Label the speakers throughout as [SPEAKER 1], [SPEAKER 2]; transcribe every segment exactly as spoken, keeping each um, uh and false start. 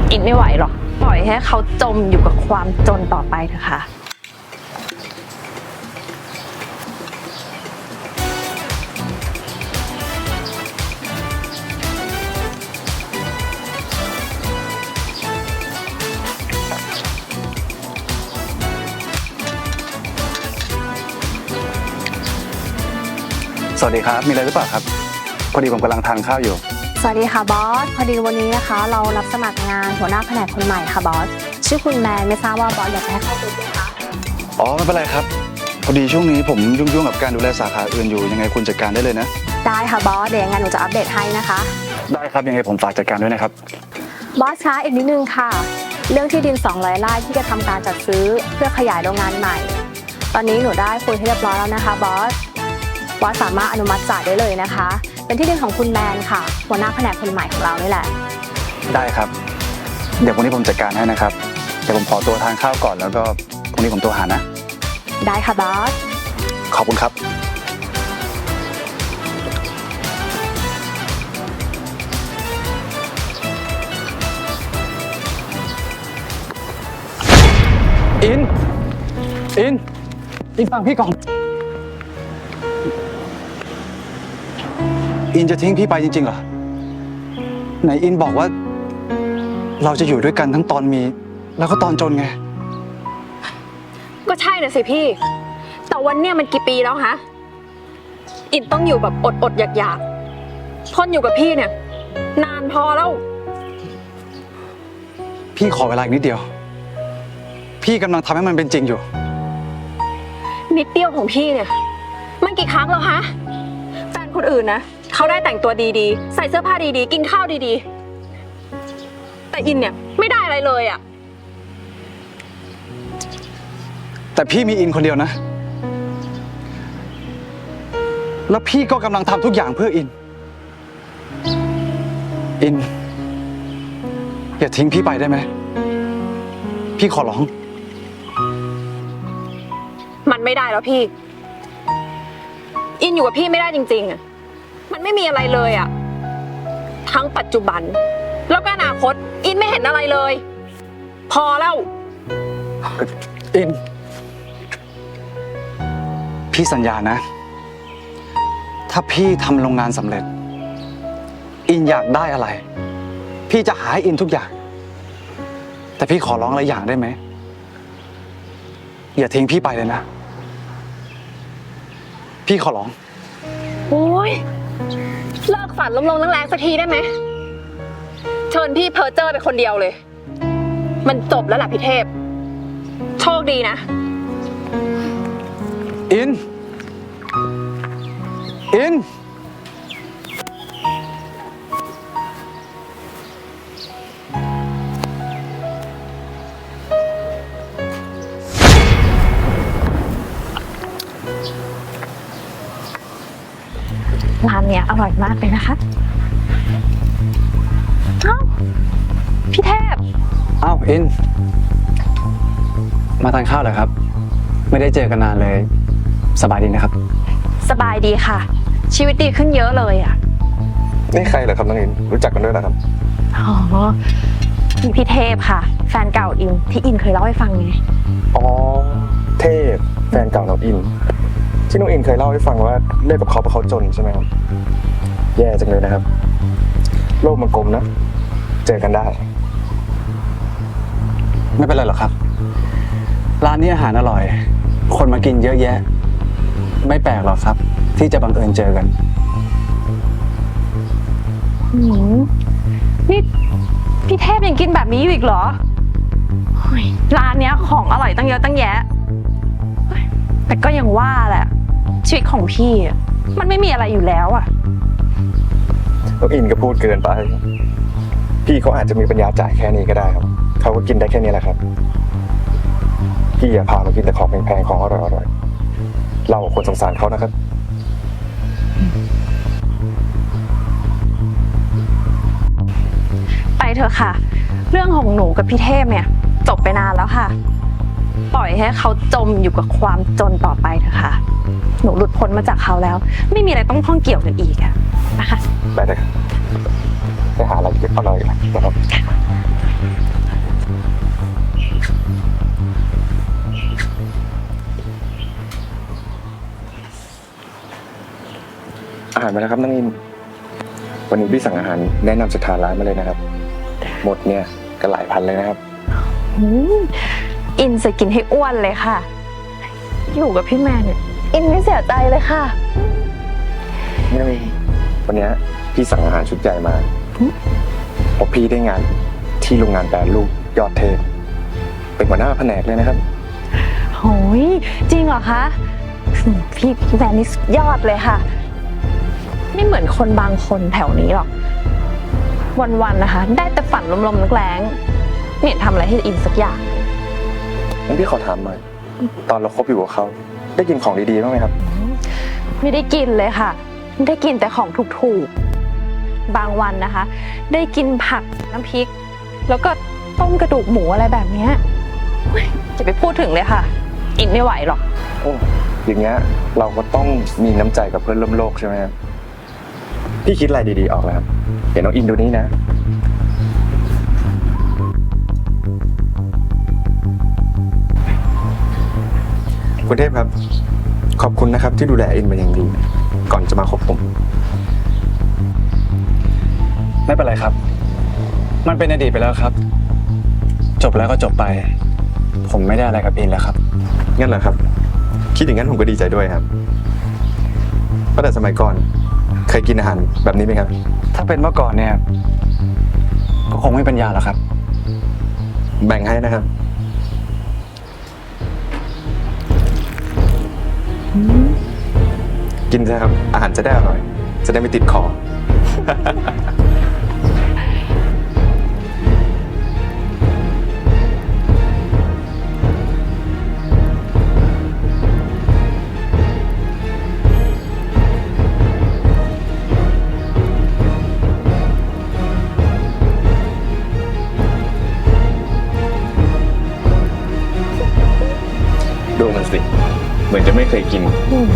[SPEAKER 1] อินไม่ไหวหรอกปล่อยให้เขาจมอยู่กับความจนต่อไปเถอะค่ะ
[SPEAKER 2] สวัสดีครับมีอะไรหรือเปล่าครับพอดีผมกำลังทานข้าวอยู่
[SPEAKER 3] สวัสดีค่ะบอสพอดีวันนี้นะคะเรารับสมัครงานหัวหน้าแผนกคนใหม่ค่ะบอสชื่อคุณแมนไม่ทราบว่าบอสอยากจะให้เข้าไปไหมคะ
[SPEAKER 2] อ๋อไม่เป็นไรครับพอดีช่วงนี้ผมยุ่งๆกับการดูแลสาขาอื่นอยู่ยังไงคุณจัดการได้เลยนะ
[SPEAKER 3] ได้ค่ะบอสเดี๋ยวยังไงหนูจะอัปเดตให้นะคะ
[SPEAKER 2] ได้ครับยังไงผมฝากจัดการด้วยนะครับ
[SPEAKER 3] บอสคะอีกนิดนึงค่ะเรื่องที่ดินสองร้อยไร่ที่จะทำการจัดซื้อเพื่อขยายโรงงานใหม่ตอนนี้หนูได้คุยให้เรียบร้อยแล้วนะคะบอสบอสสามารถอนุมัติจ่ายได้เลยนะคะเป็นที่ดินของคุณแมนค่ะหัวหน้าแผนกคนใหม่ของเรานี่แหละ
[SPEAKER 2] ได้ครับเดี๋ยววันนี้ผมจัดการให้นะครับเดี๋ยวผมขอตัวทานข้าวก่อนแล้วก็พรุ่งนี้ผมตัวหานะ
[SPEAKER 3] ได้ค่ะบอส
[SPEAKER 2] ขอบคุณครับอินอินอินฟังพี่ก่อนอินจะทิ้งพี่ไปจริงๆเหรอไหนอินบอกว่าเราจะอยู่ด้วยกันทั้งตอนมีแล้วก็ตอนจนไง
[SPEAKER 1] ก็ใช่นะสิพี่แต่วันเนี้ยมันกี่ปีแล้วฮะอินต้องอยู่แบบอดอดอยากอยากทนอยู่กับพี่เนี่ยนานพอแล้ว
[SPEAKER 2] พี่ขอเวลาอีกนิดเดียวพี่กำลังทำให้มันเป็นจริงอยู่
[SPEAKER 1] นิดเดียวของพี่เนี่ยมันกี่ครั้งแล้วฮะแฟนคนอื่นนะเขาได้แต่งตัวดีๆใส่เสื้อผ้าดีๆกินข้าวดีๆแต่อินเนี่ยไม่ได้อะไรเลยอ่ะ
[SPEAKER 2] แต่พี่มีอินคนเดียวนะแล้วพี่ก็กำลังทำทุกอย่างเพื่ออินอินอย่าทิ้งพี่ไปได้ไหมพี่ขอร้อง
[SPEAKER 1] มันไม่ได้แล้วพี่อินอยู่กับพี่ไม่ได้จริงๆอ่ะมันไม่มีอะไรเลยอ่ะทั้งปัจจุบันแล้วก็อนาคตอินไม่เห็นอะไรเลยพอแล้ว
[SPEAKER 2] อินพี่สัญญานะถ้าพี่ทำโรงงานสำเร็จอินอยากได้อะไรพี่จะหาให้อินทุกอย่างแต่พี่ขอร้องอะไรอย่างได้ไหมอย่าทิ้งพี่ไปเลยนะพี่ขอร้อง
[SPEAKER 1] โอ้ยเลิกฝันลมๆแรงๆสักทีได้ไหมเชิญพี่เพอเจอร์ไปคนเดียวเลยมันจบแล้วล่ะพี่เทพโชคดีนะ
[SPEAKER 2] อินอิน
[SPEAKER 1] ร้านเนี้ยอร่อยมากเลยนะคะเอ้าพี่เทพ
[SPEAKER 2] เอ้าอินมาทานข้าวเหรอครับไม่ได้เจอกันนานเลยสบายดีนะครับ
[SPEAKER 1] สบายดีค่ะชีวิตดีขึ้นเยอะเลยอ่ะ
[SPEAKER 4] นี่ใครเหรอครับน้องอินรู้จักกันด้วยนะครับ
[SPEAKER 1] อ๋อพี่พี่เทพค่ะแฟนเก่าอินที่อินเคยเล่าให้ฟังไง
[SPEAKER 4] อ๋อเทพแฟนเก่าน้องอินที่น้องอินเคยเล่าให้ฟังว่าเลิกกับเขาเพราะเขาจนใช่ไหมครับแย่จังเลยนะครับโลกมันกลมนะเจอกันได้
[SPEAKER 2] ไม่เป็นไรหรอกครับร้านนี้อาหารอร่อยคนมากินเยอะแยะไม่แปลกหรอกครับที่จะบังเอิญเจอกัน
[SPEAKER 1] หืมนี่พี่เทพยังกินแบบนี้อยู่อีกเหรอร้านเนี้ยของอร่อยตั้งเยอะตั้งแยะแต่ก็ยังว่าแหละชีวิตของพี่มันไม่มีอะไรอยู่แล้วอ่ะ
[SPEAKER 4] น้องอินก็พูดเกินไปพี่เขาอาจจะมีปัญญาจ่ายแค่นี้ก็ได้ครับเขาก็กินได้แค่นี้แหละครับพี่อย่าพามากินแต่ของแพงๆของอร่อยๆเราควรสงสารเขานะครับ
[SPEAKER 1] ไปเถอะค่ะเรื่องของหนูกับพี่เทพเนี่ยจบไปนานแล้วค่ะปล่อยให้เขาจมอยู่กับความจนต่อไปเถอะค่ะหนูหลุดพ้นมาจากเขาแล้วไม่มีอะไรต้องข้องเกี่ยวกันอีกอะนะคะ
[SPEAKER 4] ได้เลยครับไปหาอะไรกินอร่อยนะครับอาหารมาแล้วครับน้องอิน วันนี้พี่สั่งอาหารแนะนำจากทางร้านมาเลยนะครับ หมดเนี่ยก็หลายพันเลยนะครับ
[SPEAKER 1] อืมอินจะกินให้อ้วนเลยค่ะ อยู่กับพี่แมนเนี่ยอินไม่เสียใจเลยค่ะ
[SPEAKER 4] นี่วันนี้พี่สั่งอาหารชุดใหญ่มาเพราะพี่ได้งานที่โรงงานแปรรูปยอดเทพเป็นหัวหน้าแผนกเลยนะครับ
[SPEAKER 1] โหยจริงเหรอคะอืมพี่พี่แมนนี่สุดยอดเลยค่ะ ไม่เหมือนคนบางคนแถวนี้หรอก วันๆนะคะ ได้แต่ฝันลมๆแรงๆไม่เห็นทำอะไรให้อินสักอย่าง
[SPEAKER 4] งั้นพี่ขอถามหน่อย ตอนเราคบอยู่กับเขาได้กินของดีๆบ้างไหมครับ
[SPEAKER 1] ไม่ได้กินเลยค่ะ ได้กินแต่ของถูกๆ บางวันนะคะ ได้กินผักน้ำพริก แล้วก็ต้มกระดูกหมูอะไรแบบเนี้ยเฮ้ยจะไปพูดถึงเลยค่ะ อินไม่ไหวหรอก
[SPEAKER 4] โอ้อย่างเงี้ยเราก็ต้องมีน้ำใจกับเพื่อนร่วมโลกใช่ไหมครับพี่คิดอะไรดีๆออกแล้วครับเดี๋ยวน้องอินดูนี้นะ คุณเทพครับ ขอบคุณนะครับที่ดูแลอินเป็นอย่างดี ก่อนจะมาคบผม
[SPEAKER 2] ไม่เป็นไรครับ มันเป็นอดีตไปแล้วครับ จบแล้วก็จบไป ผมไม่ได้อะไรกับอินแล้วครับ
[SPEAKER 4] งั้นเหรอครับ คิดอย่างนั้นผมก็ดีใจด้วยครับเพราะแต่สมัยก่อนเคยกินอาหารแบบนี้ไหมครับ
[SPEAKER 2] ถ้าเป็นเมื่อก่อนเนี่ย ก็คงไม่เป็นยาแล้วครับ
[SPEAKER 4] แบ่งให้นะครับ กินเถอะครับ อาหารจะได้อร่อย จะได้ไม่ติดคอ ดูมันสิ เหมือนจะไม่เคยกิน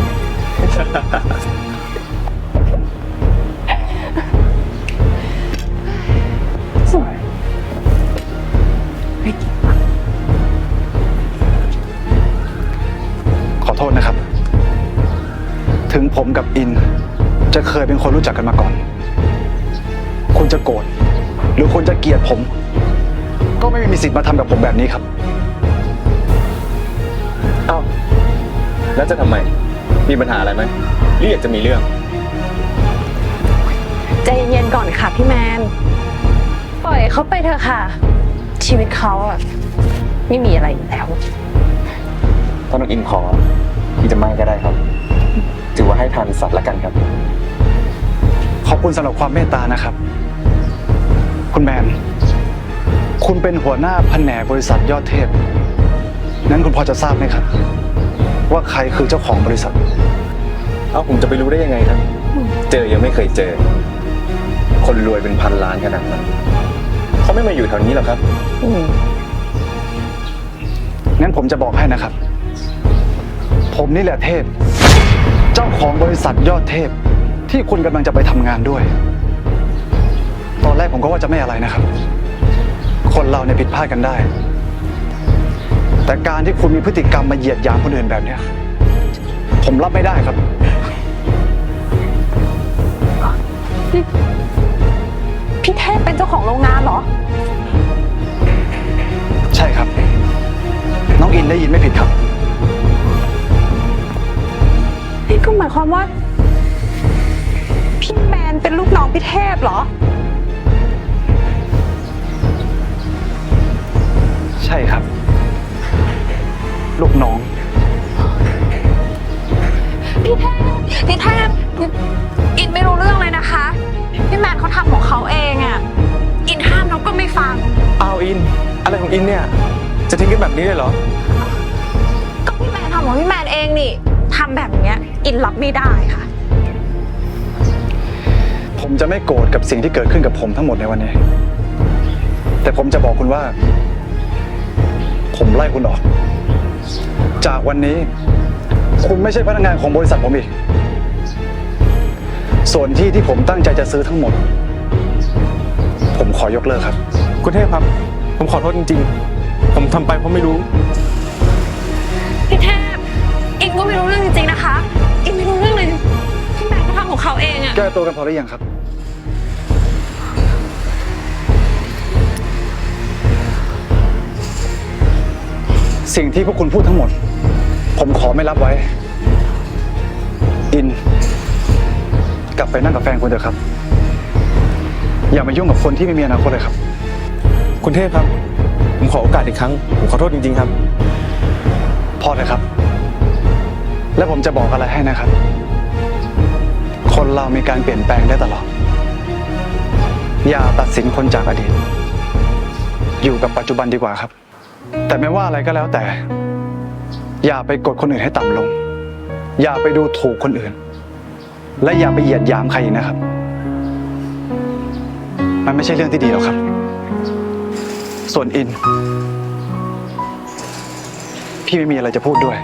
[SPEAKER 2] ขอโทษนะครับ ถึงผมกับอิน จะเคยเป็นคนรู้จักกันมาก่อน คุณจะโกรธหรือคุณจะเกลียดผม ก็ไม่มีสิทธิ์มาทำกับผมแบบนี้ครับ
[SPEAKER 4] เอ้า แล้วจะทำไม มีปัญหาอะไรไหมหรืออยากจะมีเรื่อง
[SPEAKER 1] ใจเย็นๆก่อนค่ะพี่แมน ปล่อยเขาไปเถอะค่ะ ชีวิตเขาอะไม่มีอะไรอยู่แล้ว
[SPEAKER 4] ถ้าน้องอินขอพี่จะไม่ก็ได้ครับ ถือว่าให้ทานสัตว์ละกันครับ
[SPEAKER 2] ขอบคุณสำหรับความเมตตานะครับ คุณแมน คุณเป็นหัวหน้าแผนกบริษัทยอดเทพ นั้นคุณพอจะทราบไหมครับ ว่าใครคือเจ้าของบริษัท
[SPEAKER 4] เอ้าผมจะไปรู้ได้ยังไงครับ เจอยังไม่เคยเจอ คนรวยเป็นพันล้านขนาดนั้นเขาไม่มาอยู่แถวนี้หรอกครับ
[SPEAKER 1] อืม
[SPEAKER 2] งั้นผมจะบอกให้นะครับ ผมนี่แหละเทพ เจ้าของบริษัทยอดเทพ ที่คุณกำลังจะไปทำงานด้วย ตอนแรกผมก็ว่าจะไม่อะไรนะครับ คนเราเนี่ยผิดพลาดกันได้ แต่การที่คุณมีพฤติกรรมมาเหยียดหยามคนอื่นแบบเนี้ย ผมรับไม่ได้ครับ
[SPEAKER 1] พี่เทพเป็นเจ้าของโรงงานเหรอ
[SPEAKER 2] ใช่ครับ น้องอินได้ยินไม่ผิดครับ
[SPEAKER 1] นี่ก็หมายความว่า พี่แมนเป็นลูกน้องพี่เทพเหรอ
[SPEAKER 2] ใช่ครับ ลูกน้อง
[SPEAKER 1] พี่เทพพี่เทพอินไม่รู้เรื่องเลยนะคะ พี่แมนเขาทำของเขาเองอะอินห้ามน้องก็ไม่ฟัง
[SPEAKER 4] เอาอิน อะไรของอินเนี่ย จะทิ้งกันแบบนี้เลยเหรอ
[SPEAKER 1] ก็พี่แมนทำของพี่แมนเองนี่ทำแบบเนี้ย อินรับไม่ได้ค่ะ
[SPEAKER 2] ผมจะไม่โกรธกับสิ่งที่เกิดขึ้นกับผมทั้งหมดในวันนี้ แต่ผมจะบอกคุณว่า ผมไล่คุณออก จากวันนี้ คุณไม่ใช่พนักงานของบริษัทผมอีก ส่วนที่ที่ผมตั้งใจจะซื้อทั้งหมด ผมขอยกเลิกครับ
[SPEAKER 4] คุณเทพครับ
[SPEAKER 5] ผมขอโทษจริงๆ ผมทำไปเพราะไม่รู้
[SPEAKER 1] พี่เทพอินก็ไม่รู้เรื่องจริงๆนะคะ อินไม่รู้เรื่องเลยพี่แบงค์ก็ทำของเขาเองอะ
[SPEAKER 2] แก้ตัวกันพอหรือยังครับ สิ่งที่พวกคุณพูดทั้งหมด ผมขอไม่รับไว้ อิน กลับไปนั่งกับแฟนคุณเถอะครับ อย่ามายุ่งกับคนที่ไม่มีอนาคตเลยครับ
[SPEAKER 5] คุณเทพครับ ผมขอโอกาสอีกครั้ง ผมขอโทษจริงๆครับ
[SPEAKER 2] พอเลยครับ และผมจะบอกอะไรให้นะครับ คนเรามีการเปลี่ยนแปลงได้ตลอด อย่าตัดสินคนจากอดีต อยู่กับปัจจุบันดีกว่าครับ แต่ไม่ว่าอะไรก็แล้วแต่ อย่าไปกดคนอื่นให้ต่ำลง อย่าไปดูถูกคนอื่น และอย่าไปเหยียดหยามใครอีกนะครับ มันไม่ใช่เรื่องที่ดีหรอกครับ ส่วนอิน พี่ไม่มีอะไรจะพูดด้วย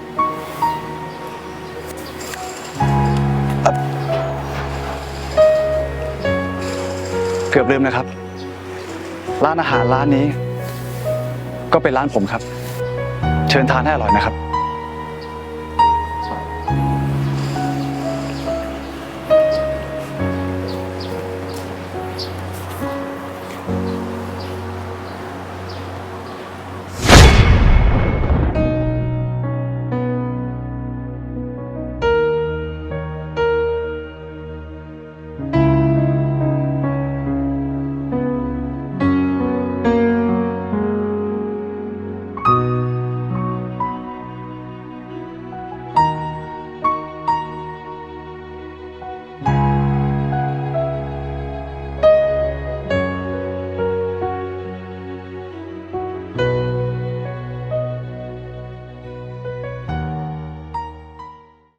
[SPEAKER 2] เกือบลืมนะครับ ร้านอาหารร้านนี้ ก็เป็นร้านผมครับ เชิญทานให้อร่อยนะครับ